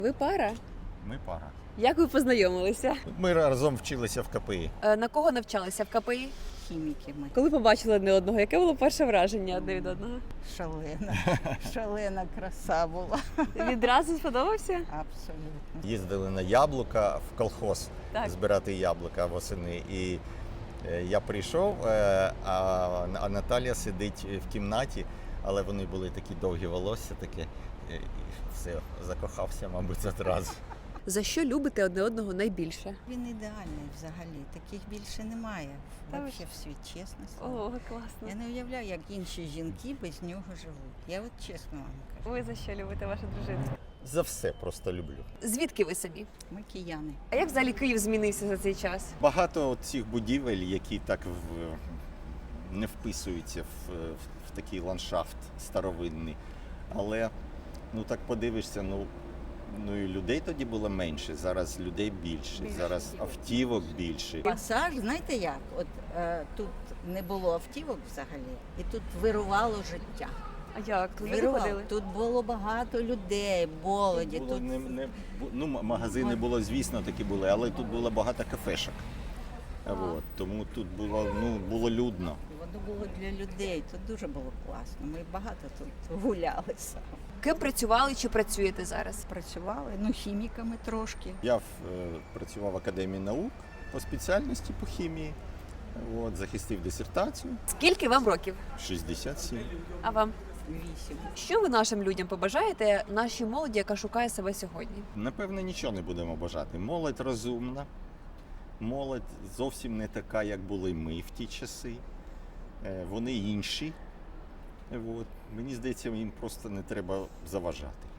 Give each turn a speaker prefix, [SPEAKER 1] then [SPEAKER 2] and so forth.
[SPEAKER 1] Ви пара?
[SPEAKER 2] Ми пара.
[SPEAKER 1] Як ви познайомилися?
[SPEAKER 2] Ми разом вчилися в КПІ.
[SPEAKER 1] На кого навчалися в КПІ?
[SPEAKER 3] Хіміки ми.
[SPEAKER 1] Коли побачили одне одного, яке було перше враження одне від одного?
[SPEAKER 3] Шалена краса була.
[SPEAKER 1] Відразу сподобався?
[SPEAKER 3] Абсолютно.
[SPEAKER 2] Їздили на яблука в колхоз
[SPEAKER 1] Так.
[SPEAKER 2] збирати яблука восени. І я прийшов, а Наталія сидить в кімнаті, але вони були такі довгі волосся, таке, і все, закохався, мабуть, одразу.
[SPEAKER 1] За що любите одне одного найбільше?
[SPEAKER 3] Він ідеальний взагалі. Таких більше немає.
[SPEAKER 1] Та ви
[SPEAKER 3] Взагалі в світ, чесно слово.
[SPEAKER 1] О, класно.
[SPEAKER 3] Я не уявляю, як інші жінки без нього живуть. Я от чесно вам кажу.
[SPEAKER 1] Ви за що любите вашу дружину?
[SPEAKER 2] За все просто люблю.
[SPEAKER 1] Звідки ви самі?
[SPEAKER 3] Ми кияни.
[SPEAKER 1] А як взагалі Київ змінився за цей час?
[SPEAKER 2] Багато цих будівель, які так не вписуються в такий ландшафт старовинний. Але ну так подивишся, ну і людей тоді було менше, зараз людей більше, зараз автівок більше.
[SPEAKER 3] Пасаж, знаєте як? От тут не було автівок взагалі, і тут вирувало життя.
[SPEAKER 1] А як? Тут люди
[SPEAKER 3] Вирувало.
[SPEAKER 1] ходили?
[SPEAKER 3] Тут було багато людей, молоді.
[SPEAKER 2] Було
[SPEAKER 3] Тут
[SPEAKER 2] ну, магазини було, звісно, такі були, але тут було багато кафешок. От, тому тут було людно.
[SPEAKER 3] воно було для людей. Тут дуже було класно. Ми багато тут гулялися.
[SPEAKER 1] Ким працювали чи працюєте зараз?
[SPEAKER 3] Працювали, хіміками трошки.
[SPEAKER 2] Я працював в Академії наук по спеціальності по хімії. От, захистив дисертацію.
[SPEAKER 1] Скільки вам років?
[SPEAKER 2] 67.
[SPEAKER 1] А вам?
[SPEAKER 3] 8.
[SPEAKER 1] Що ви нашим людям побажаєте, нашій молоді, яка шукає себе сьогодні?
[SPEAKER 2] Напевно, нічого не будемо бажати. Молодь розумна, молодь зовсім не така, як були ми в ті часи. Вони інші. От. Мені здається, їм просто не треба заважати.